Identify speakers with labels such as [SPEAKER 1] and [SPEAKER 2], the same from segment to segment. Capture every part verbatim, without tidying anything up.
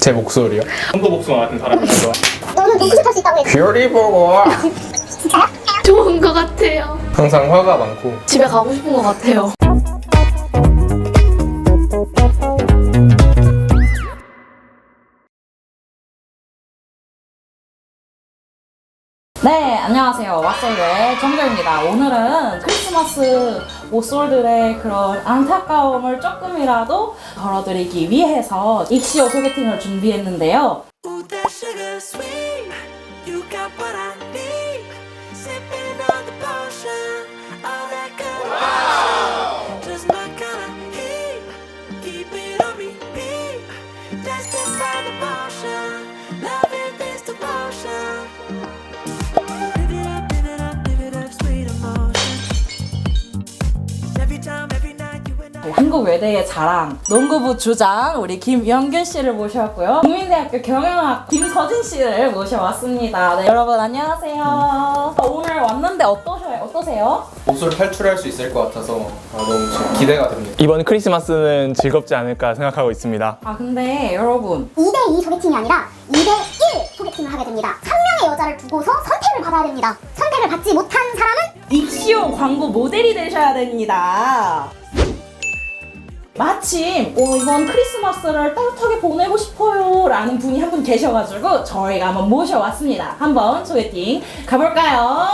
[SPEAKER 1] 제 목소리요?
[SPEAKER 2] tonto복숭아 같은 사람이라서.
[SPEAKER 3] 너는 눈 부족할 수 있다고 해.
[SPEAKER 1] 뷰리 보고
[SPEAKER 3] 진짜요?
[SPEAKER 4] 좋은 것 같아요.
[SPEAKER 1] 항상 화가 많고
[SPEAKER 4] 집에 가고 싶은 것 같아요.
[SPEAKER 5] 네, 안녕하세요. 왓솔의 정재입니다. 오늘은 크리스마스 모쏠들의 그런 안타까움을 조금이라도 덜어드리기 위해서 익시오 소개팅을 준비했는데요.
[SPEAKER 6] Ooh, that sugar sweet. You got what I need. Sipping on the potion. All that good wow. Just my kind of heat. Keep it on repeat. Destined by the potion. Loving this devotion. Live it up, live it up, live it up, sweet emotion. Every time, every night, you and I.
[SPEAKER 5] 한국 외대의 자랑, 농구부 주장 우리 김영균 씨를 모셔왔고요. 국민대학교 경영학 김서진 씨를 모셔왔습니다. 네, 여러분 안녕하세요. 오늘 왔는데 어떠셔요? 어떠세요?
[SPEAKER 1] 목소리 탈출할 수 있을 것 같아서 아, 너무 지금 기대가 됩니다.
[SPEAKER 2] 이번 크리스마스는 즐겁지 않을까 생각하고 있습니다.
[SPEAKER 5] 아 근데 여러분
[SPEAKER 3] 이 대 이 소개팅이 아니라 이 대 일 소개팅을 하게 됩니다. 한 명의 여자를 두고서 선택을 받아야 됩니다. 선택을 받지 못한 사람은
[SPEAKER 5] 익시오 광고 모델이 되셔야 됩니다. 마침 어, 이번 크리스마스를 따뜻하게 보내고 싶어요 라는 분이 한 분 계셔가지고 저희가 한번 모셔왔습니다. 한번 소개팅 가볼까요?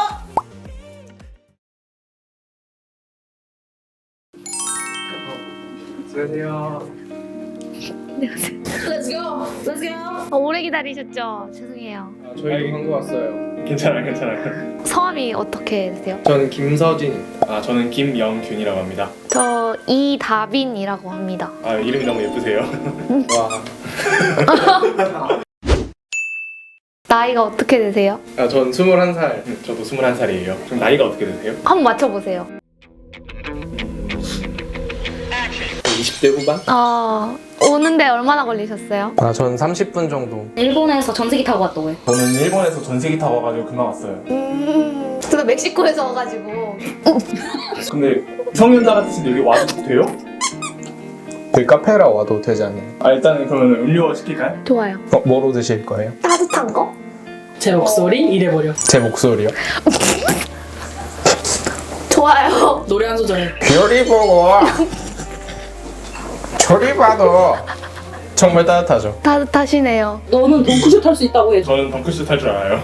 [SPEAKER 1] 안녕하세요.
[SPEAKER 4] Let's go. Let's go. 어, 오래 기다리셨죠? 죄송해요.
[SPEAKER 1] 아, 저희도 한거 왔어요.
[SPEAKER 2] 괜찮아요, 괜찮아요.
[SPEAKER 4] 성함이 어떻게 되세요?
[SPEAKER 1] 저는 김서진입니다.
[SPEAKER 2] 아, 저는 김영균이라고 합니다.
[SPEAKER 4] 저 이다빈이라고 합니다.
[SPEAKER 2] 아, 이름이 너무 예쁘세요.
[SPEAKER 1] 와,
[SPEAKER 4] 나이가 어떻게 되세요?
[SPEAKER 1] 아, 전 스물한 살.
[SPEAKER 2] 저도 스물한 살이에요. 그럼 나이가 어떻게 되세요?
[SPEAKER 4] 한번 맞춰보세요.
[SPEAKER 1] 이십 대 후반?
[SPEAKER 4] 어, 오는데 얼마나 걸리셨어요?
[SPEAKER 1] 아, 전 삼십 분 정도.
[SPEAKER 5] 일본에서 전세기 타고 왔다고 해.
[SPEAKER 2] 저는 일본에서 전세기 타고 와가지고 금방 왔어요.
[SPEAKER 4] 음, 저도 멕시코에서 와가지고.
[SPEAKER 2] 근데 성년자 같으신데 여기 와도 돼요?
[SPEAKER 1] 저희 카페라 와도 되지 않나요?
[SPEAKER 2] 아, 일단은 그러면 음료 시킬까요?
[SPEAKER 4] 좋아요.
[SPEAKER 1] 어, 뭐로 드실 거예요?
[SPEAKER 4] 따뜻한 거?
[SPEAKER 5] 제 목소리 이래버려.
[SPEAKER 1] 제 목소리요?
[SPEAKER 4] 좋아요.
[SPEAKER 5] 노래 한 소절.
[SPEAKER 1] 뷰리 보고 저리 봐도 정말 따뜻하죠.
[SPEAKER 4] 따뜻하시네요.
[SPEAKER 5] 너는 덩크슛 할 수 있다고 해.
[SPEAKER 2] 저는 덩크슛 할 줄 알아요.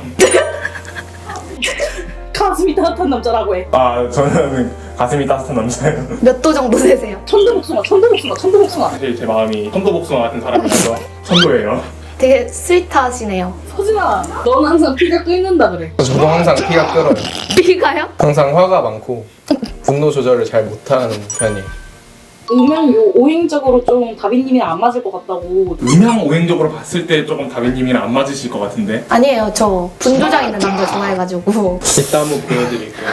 [SPEAKER 5] 가슴이 따뜻한 남자라고 해.
[SPEAKER 2] 아, 저는 가슴이 따뜻한 남자예요.
[SPEAKER 4] 몇 도 정도 되세요?
[SPEAKER 5] 천도복숭아, 천도복숭아, 천도복숭아.
[SPEAKER 2] 사실 제 마음이 tonto복숭아 같은 사람이라서 천도예요.
[SPEAKER 4] 되게 스윗하시네요.
[SPEAKER 5] 서진아, 넌 항상 피가 끓는다 그래.
[SPEAKER 1] 저도 항상 피가 끓어요.
[SPEAKER 4] B가요?
[SPEAKER 1] 항상 화가 많고 분노 조절을 잘 못하는 편이에요.
[SPEAKER 5] 음향 요 오행적으로 좀 다빈님이랑 안 맞을 것 같다고.
[SPEAKER 2] 음향 오행적으로 봤을 때 조금 다빈님이랑 안 맞으실 것 같은데.
[SPEAKER 4] 아니에요. 저 분조장 있는 남자 전화해가지고.
[SPEAKER 1] 이따 한번 보여드릴게요.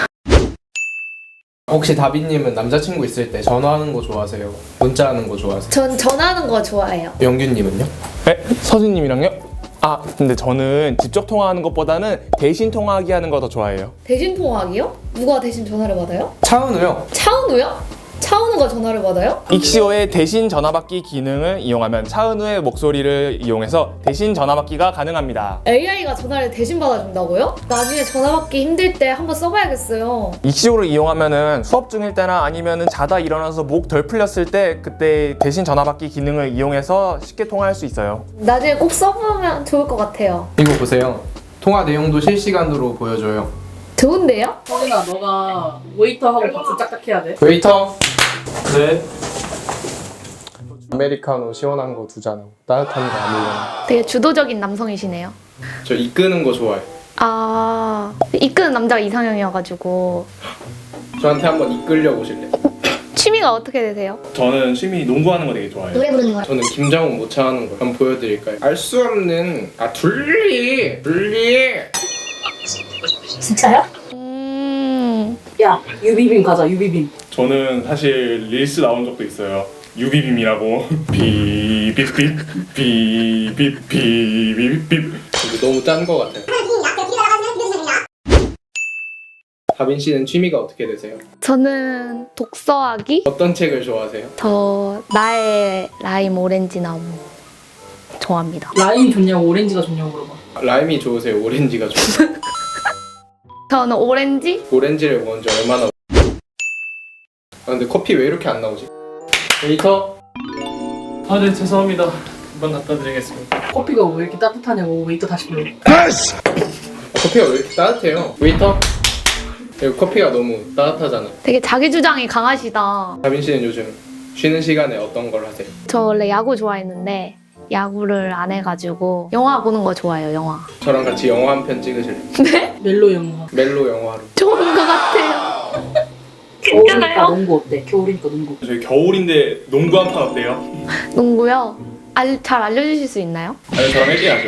[SPEAKER 1] 혹시 다비님은 남자친구 있을 때 전화하는 거 좋아하세요? 문자하는 거 좋아하세요?
[SPEAKER 4] 전 전화하는 거 좋아해요.
[SPEAKER 1] 영균님은요?
[SPEAKER 2] 네? 서진님이랑요? 아, 근데 저는 직접 통화하는 것보다는 대신 통화하기 하는 거 더 좋아해요.
[SPEAKER 4] 대신 통화하기요? 누가 대신 전화를 받아요?
[SPEAKER 1] 차은우요?
[SPEAKER 4] 차은우요? 차은우가 전화를 받아요?
[SPEAKER 2] 익시오의 대신 전화받기 기능을 이용하면 차은우의 목소리를 이용해서 대신 전화받기가 가능합니다.
[SPEAKER 4] 에이아이가 전화를 대신 받아준다고요? 나중에 전화 받기 힘들 때 한번 써봐야겠어요.
[SPEAKER 2] 익시오를 이용하면은 수업 중일 때나 아니면은 자다 일어나서 목 덜 풀렸을 때 그때 대신 전화받기 기능을 이용해서 쉽게 통화할 수 있어요.
[SPEAKER 4] 나중에 꼭 써보면 좋을 것 같아요.
[SPEAKER 1] 이거 보세요. 통화 내용도 실시간으로 보여줘요.
[SPEAKER 4] 좋은데요?
[SPEAKER 5] 서진아, 너가 웨이터하고 박수 짝짝 해야 돼.
[SPEAKER 1] 웨이터!
[SPEAKER 2] 네.
[SPEAKER 1] 아메리카노 시원한 거 두 잔, 따뜻한 거 아무거나.
[SPEAKER 4] 되게 주도적인 남성이시네요.
[SPEAKER 1] 저 이끄는 거 좋아해요.
[SPEAKER 4] 아, 이끄는 남자가 이상형이어가지고.
[SPEAKER 1] 저한테 한번 이끌려 보실래요?
[SPEAKER 4] 취미가 어떻게 되세요?
[SPEAKER 2] 저는 취미 농구하는 거 되게 좋아해요.
[SPEAKER 4] 노래 부르는 거요?
[SPEAKER 1] 저는 김장훈 모차하는 거 한번 보여드릴까요? 알 수 없는 아 둘리 둘리
[SPEAKER 3] 진짜요?
[SPEAKER 4] 음,
[SPEAKER 5] 야, 유비빔 가자, 유비빔.
[SPEAKER 2] 저는 사실 릴스 나온 적도 있어요. 유비빔이라고. 비비빔 비비빔 비비빔.
[SPEAKER 1] 이거 너무 짠 거 같아요. 다빈 씨는 취미가 어떻게 되세요?
[SPEAKER 4] 저는 독서하기?
[SPEAKER 1] 어떤 책을 좋아하세요?
[SPEAKER 4] 저 나의 라임 오렌지 나무.
[SPEAKER 7] 좋아합니다.
[SPEAKER 5] 라임 좋냐고 오렌지가 좋냐고 물어봐.
[SPEAKER 1] 라임이 좋으세요? 오렌지가 좋으세요?
[SPEAKER 7] 저는 오렌지?
[SPEAKER 1] 오렌지를 먹은 지 얼마나 아 근데 커피 왜 이렇게 안 나오지? 웨이터?
[SPEAKER 2] 아, 네, 죄송합니다. 금방 갖다 드리겠습니다.
[SPEAKER 5] 커피가 왜 이렇게 따뜻하냐고 웨이터 다시 불러.
[SPEAKER 1] 커피가 왜 이렇게 따뜻해요? 웨이터? 이거 커피가 너무 따뜻하잖아.
[SPEAKER 7] 되게 자기 주장이 강하시다.
[SPEAKER 1] 다빈 씨는 요즘 쉬는 시간에 어떤 걸 하세요?
[SPEAKER 7] 저 원래 야구 좋아했는데 야구를 안 해가지고 영화 보는 거 좋아해요. 영화.
[SPEAKER 1] 저랑 같이 영화 한 편 찍으실래요?
[SPEAKER 5] 멜로 영화.
[SPEAKER 1] 멜로 영화로.
[SPEAKER 7] 좋은 것 같아요.
[SPEAKER 5] 겨울이니까 농구 어때? 겨울이니까 농구.
[SPEAKER 2] 저희 겨울인데 농구 한 판 어때요?
[SPEAKER 7] 농구요? 알, 잘 알려주실 수 있나요?
[SPEAKER 1] 아니 저랑 얘기하셔야죠.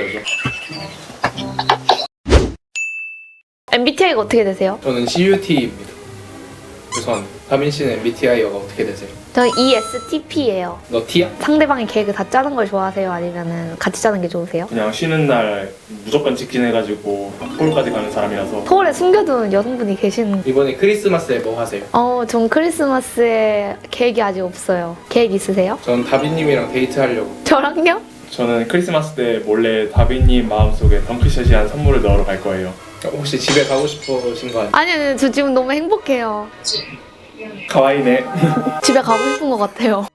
[SPEAKER 7] 엠비티아이가 어떻게 되세요?
[SPEAKER 1] 저는 씨유티입니다. 죄송합니다. 다빈 씨는 엠비티아이가 어떻게 되세요?
[SPEAKER 7] 저는 이에스티피예요.
[SPEAKER 1] 너 T야?
[SPEAKER 7] 상대방의 계획을 다 짜는 걸 좋아하세요? 아니면 같이 짜는 게 좋으세요?
[SPEAKER 2] 그냥 쉬는 날 무조건 직진해가지고 서울까지 가는 사람이라서
[SPEAKER 7] 서울에 숨겨둔 여성분이 계시는.
[SPEAKER 1] 이번에 크리스마스에 뭐 하세요?
[SPEAKER 7] 어, 전 크리스마스에 계획이 아직 없어요. 계획 있으세요?
[SPEAKER 1] 전 다빈님이랑 데이트하려고.
[SPEAKER 7] 저랑요?
[SPEAKER 2] 저는 크리스마스 때 몰래 다빈님 마음속에 덩크샷이한 선물을 넣으러 갈 거예요.
[SPEAKER 1] 혹시 집에 가고 싶으신 거 아니에요?
[SPEAKER 7] 아니요, 아니요, 저 지금 너무 행복해요.
[SPEAKER 2] 가와이네.
[SPEAKER 7] 집에 가고 싶은 것 같아요.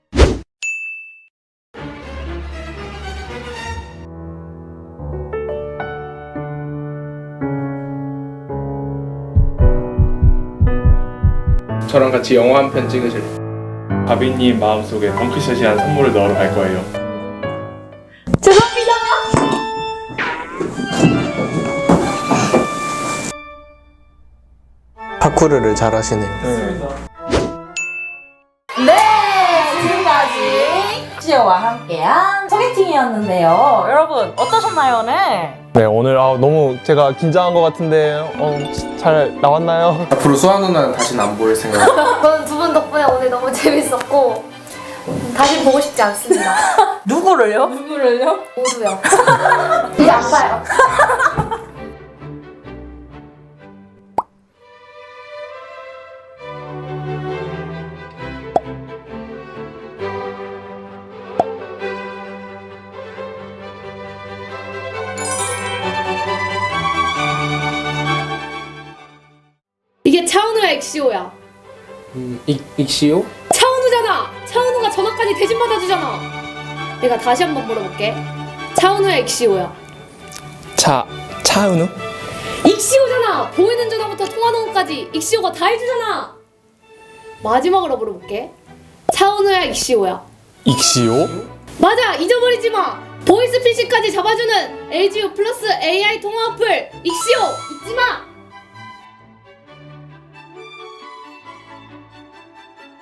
[SPEAKER 1] 저랑 같이 영화 한 편 찍으실래요?
[SPEAKER 2] 다빈님 마음속에 덩크샷이한 선물을 넣으러 갈 거예요.
[SPEAKER 5] 죄송합니다.
[SPEAKER 1] 파쿠르를 잘 하시네요.
[SPEAKER 5] 네, 지금까지 시오와 함께한 소개팅이었는데요. 여러분 어떠셨나요 오늘?
[SPEAKER 2] 네, 오늘 아, 너무 제가 긴장한 것 같은데 어, 잘 나왔나요?
[SPEAKER 1] 앞으로 수아 누나는 다시는 안 보일 생각.
[SPEAKER 7] 저는 두 분 덕분에 오늘 너무 재밌었고 다시 보고 싶지 않습니다.
[SPEAKER 5] 누구를요? 누구를요?
[SPEAKER 7] 모두요. 이제 안 봐요.
[SPEAKER 4] 이게 차은우야 엑시오야.
[SPEAKER 1] 음, 익, 익시오?
[SPEAKER 4] 차은우잖아. 차은우가 전화까지 대신 받아주잖아. 내가 다시 한번 물어볼게. 차은우야 엑시오야.
[SPEAKER 2] 차 차은우?
[SPEAKER 4] 익시오잖아. 보이는 전화부터 통화 녹음까지 익시오가 다 해주잖아. 마지막으로 물어볼게. 차은우야 익시오야.
[SPEAKER 2] 익시오?
[SPEAKER 4] 맞아. 잊어버리지 마. 보이스피싱까지 잡아주는 엘지유 플러스 에이아이 통화 어플 익시오 잊지 마.